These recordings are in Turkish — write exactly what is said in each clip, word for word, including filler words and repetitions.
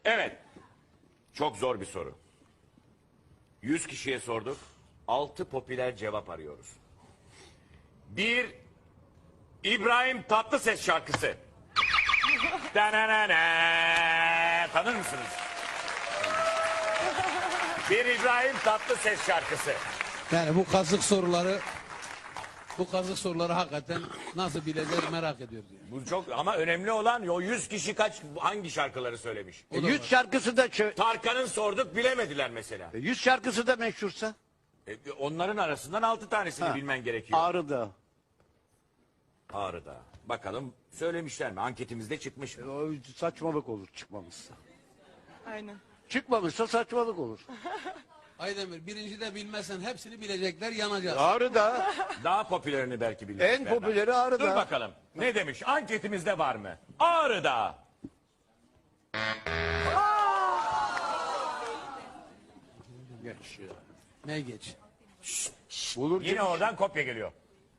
Evet. Çok zor bir soru. Yüz kişiye sorduk. Altı popüler cevap arıyoruz. Bir İbrahim Tatlıses şarkısı. Dananana. Tanır mısınız? Bir İbrahim Tatlıses şarkısı. Yani bu kazık soruları bu kazık soruları hakikaten nasıl bileceğiz merak ediyoruz. Yani. Bu çok ama önemli olan o yüz kişi kaç hangi şarkıları söylemiş? O da Yüz var. şarkısı da çö- Tarkan'ın sorduk bilemediler mesela. yüz şarkısı da meşhursa. E, onların arasından altı tanesini Ha. bilmen gerekiyor. Ağrı'da. Ağrı'da. Bakalım söylemişler mi? Anketimizde çıkmış mı? O saçmalık olur çıkmamışsa. Aynen. Çıkmamışsa saçmalık olur. Aydemir birinci de bilmezsen hepsini bilecekler yanacağız. Ağrı'da. Daha popülerini belki bilirsin. En Berna. popüleri Ağrı'da. Dur bakalım. Ne demiş? Anketimizde var mı? Ağrı'da. Geç ya. Ne geç? Bulur Yine oradan kopya geliyor.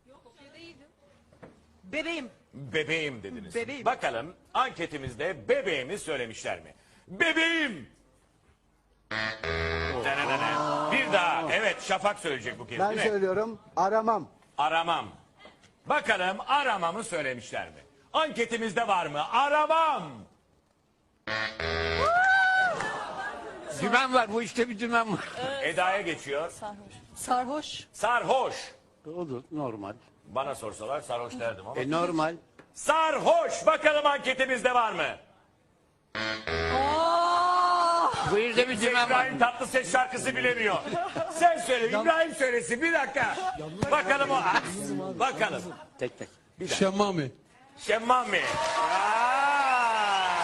Bebeğim. Bebeğim dediniz. Bebeğim. Bakalım anketimizde bebeğimi söylemişler mi? Bebeğim. Dananana. Bir daha. Evet Şafak söyleyecek bu kez Ben değil mi? söylüyorum aramam. Aramam. Bakalım aramamı söylemişler mi? Anketimizde var mı? Aramam. Dümen var bu işte bir dümen var. Eda'ya geçiyor. Sarhoş. Sarhoş. Olur normal. Bana sorsalar sarhoş derdim ama. E normal. Sarhoş. Bakalım anketimizde var mı? Bu işte bir dümen var. İbrahim Tatlıses şarkısı bilemiyor. Sen söyle İbrahim söylesin bir dakika. Bakalım o. Bakalım. Tek tek. Şemmami. Şemmami. Aa!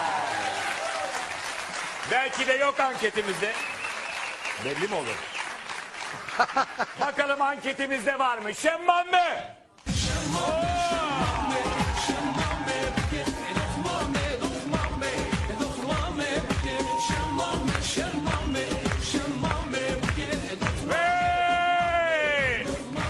Belki de yok anketimizde. Belli mi olur? Bakalım anketimizde var mı? Şemmami. Hey!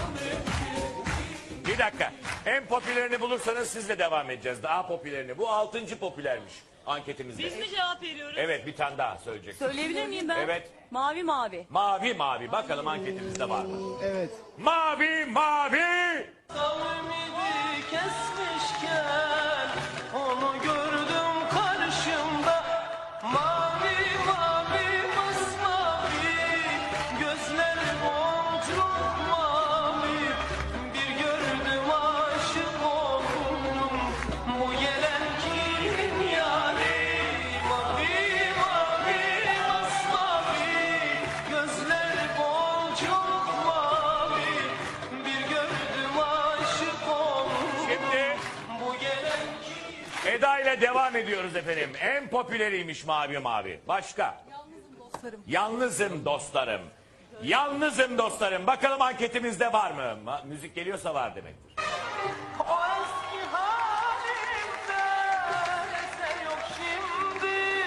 Bir dakika. En popülerini bulursanız sizle devam edeceğiz. Daha popülerini. Bu altıncı popülermiş anketimizde. Biz mi cevap veriyoruz? Evet bir tane daha söyleyecek. Söyleyebilir miyim ben? Evet. Mavi mavi. Mavi mavi. Bakalım anketimizde var mı? Evet. Mavi mavi. Ümidi kesmişken onu gördüm karşımda, mavi mavi masmavi gözleri boncuk mavi, bir gördüm aşık oldum, bu gelen kimin yari, mavi mavi masmavi gözleri boncuk mavi, bir gördüm aşık oldum. Şimdi Bu gelen Eda ile devam ediyoruz efendim. En popüleriymiş mavi mavi. Başka? Yalnızım dostlarım. Yalnızım dostlarım. Bakalım anketimizde var mı? Ma- müzik geliyorsa var demektir. o eski halimde eser yok şimdi,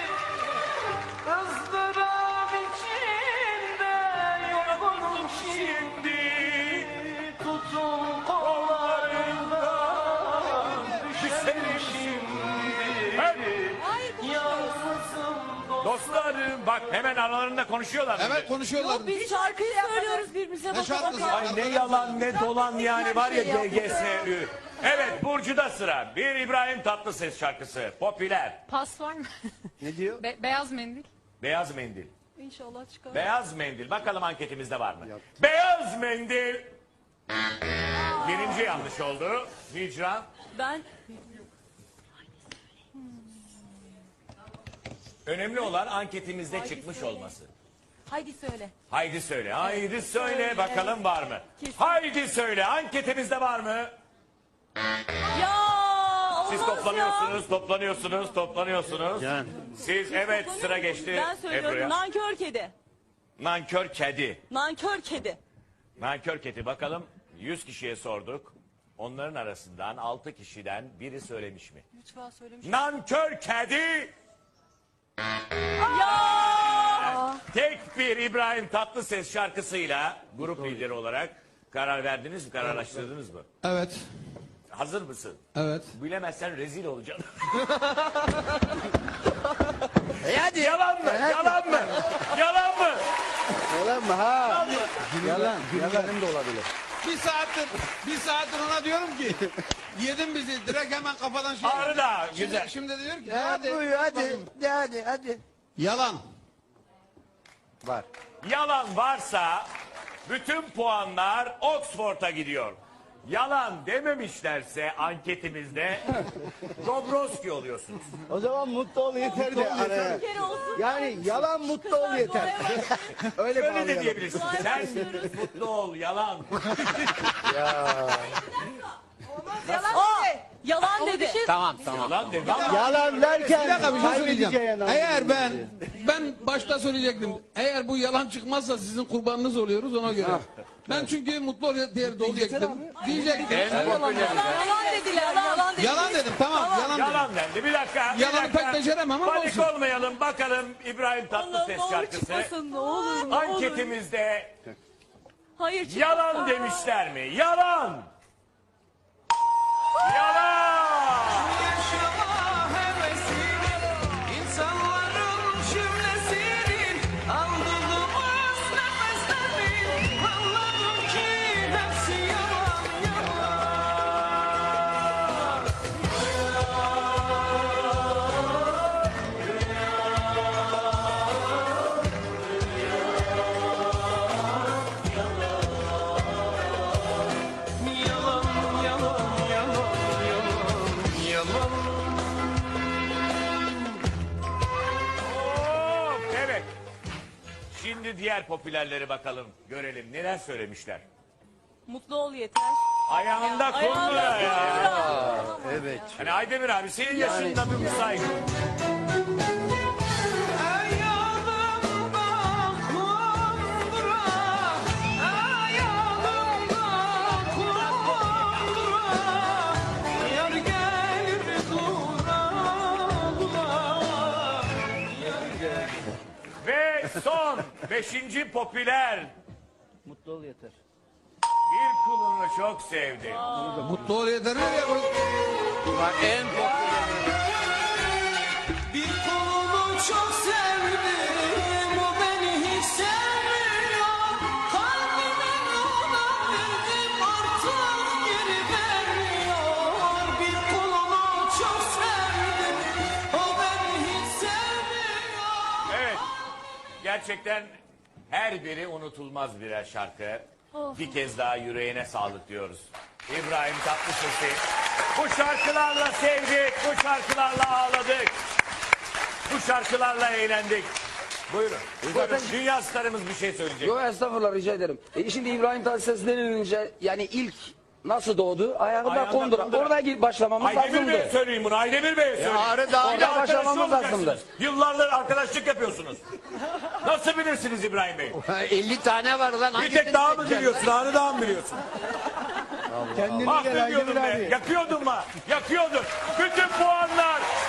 ızdırap içinde yorgunum şimdi, tutun kollarından düşerim şimdi, yalnızım Dostlarım bak hemen aralarında konuşuyorlar. Evet konuşuyorlar. Biz şarkıyı söylüyoruz birbirimize. Ne baka şarkısı? baka. Ay ne yalan ne dolan yani var ya D G S Ü. Evet Burcu'da sıra. Bir İbrahim Tatlıses şarkısı. Popüler. Pas var mı? Ne diyor? Be- beyaz mendil. Beyaz mendil. İnşallah çıkar. Beyaz mendil. Bakalım anketimizde var mı? Beyaz mendil. Birinci yanlış oldu. Hicran. Ben Önemli olan anketimizde çıkmış olması. haydi söyle. Haydi söyle. Haydi söyle. Bakalım var mı? Kesin. Haydi söyle. Anketimizde var mı? Ya olmaz Siz ya. toplanıyorsunuz, toplanıyorsunuz, toplanıyorsunuz. Yani. Siz evet sıra geçti Ben söylüyorum Ebru'ya. nankör kedi. Nankör kedi. Nankör kedi. Nankör kedi bakalım yüz kişiye sorduk. Onların arasından altı kişiden biri söylemiş mi? Lütfen söylemiş. Nankör kedi. Ya. Tek bir İbrahim Tatlıses şarkısıyla grup lideri olarak karar verdiniz mi? Kararlaştırdınız mı? Evet. Hazır mısın? Evet. Bilemezsen rezil olacaksın. E hadi. Yalan mı? E hadi. Yalan mı? Yalan mı? Yalan mı? Ha. Yalan. Yalan da olabilir. Bir saattir, bir saattir ona diyorum ki yedin bizi direkt hemen kafadan şey. Ağrı da Şimdi, güzel. şimdi de diyor ki Ha, hadi. buyur hadi. De hadi hadi. Yalan. Var. Yalan varsa bütün puanlar Oxford'a gidiyor. Yalan dememişlerse anketimizde Dobroski oluyorsunuz. O zaman mutlu ol yeter de araya. Bir kere olsun. Yani yalan mutlu ol yeter. Öyle Öyle de bağlayalım. diyebilirsin. Sen mutlu ol, yalan. Aa, yalan dedi. Tamam tamam. Yalan de. Yalan derken Bir dakika bir şey kaybedeceğin söyleyeceğim. adam. Eğer ben ben başta söyleyecektim. Eğer bu yalan çıkmazsa sizin kurbanınız oluyoruz ona göre. Ben çünkü mutlu ol diye diyecektim. Diyecektim. Yalan dediler. Yalan dediler. Yalan dedim tamam yalan dedim. Yalan dendi. Bir dakika. bir Yalanı dakika. pek beceremem ama Panik olsun. olmayalım. Bakalım İbrahim Allah Tatlıses ne olur şarkısı. çıkmasın ne olur ne olur. Anketimizde Hayır çıkmasın. yalan demişler mi? Yalan. Yalan. Yaşama hevesini, insanların cümlesinin aldığımız nefeslerin anladım ki hepsi yalan yalan. Yalan, yalan, yalan, yalan, yalan. Of, evet. Şimdi diğer popülerleri bakalım. Görelim neler söylemişler. Mutlu ol yeter. Ayağında kundura Ayağında ya. kundura. Evet. Hani Aydemir abi senin yaşında bir saygı. Ayağımda kundura, ayağımda kundura, yar gelir dura dura. Ve son beşinci popüler. Mutlu ol yeter. Bir kulunu çok sevdi. Mutlu ol yeter nereye koy? En Bir kolumu çok sevdim, o beni hiç sevmiyor. Kalbimin ona verdim, artık geri vermiyor. Bir kolumu çok sevdim, o beni hiç sevmiyor. Evet. Gerçekten her biri unutulmaz birer şarkı. Bir kez daha yüreğine sağlık diyoruz. İbrahim Tatlıses'i bu şarkılarla sevdik, bu şarkılarla ağladık. Bu şarkılarla eğlendik. Buyurun. Buyurun. Dünya starımız bir şey söyleyecek. Yok estağfurullah rica ederim. E, şimdi İbrahim Tatlıses denilince yani ilk nasıl doğdu? Ayağında Ayağında kondura. kondura. Orada gir başlamamız Aydemir Bey'e lazımdı. söyleyeyim bunu. Aydemir Bey'e söyleyeyim. Ağrı Dağı- Bir de Orada arkadaş başlamamız olacaksınız. lazımdı. Yıllardır arkadaşlık yapıyorsunuz. Nasıl bilirsiniz İbrahim Bey? elli tane var lan. Bir tek daha mı biliyorsun? Ağrı Dağı mı biliyorsun? Kendine gel Mahvediyordun Aydemir be. abi. Yakıyordun mu? Yakıyordun. Bütün puanlar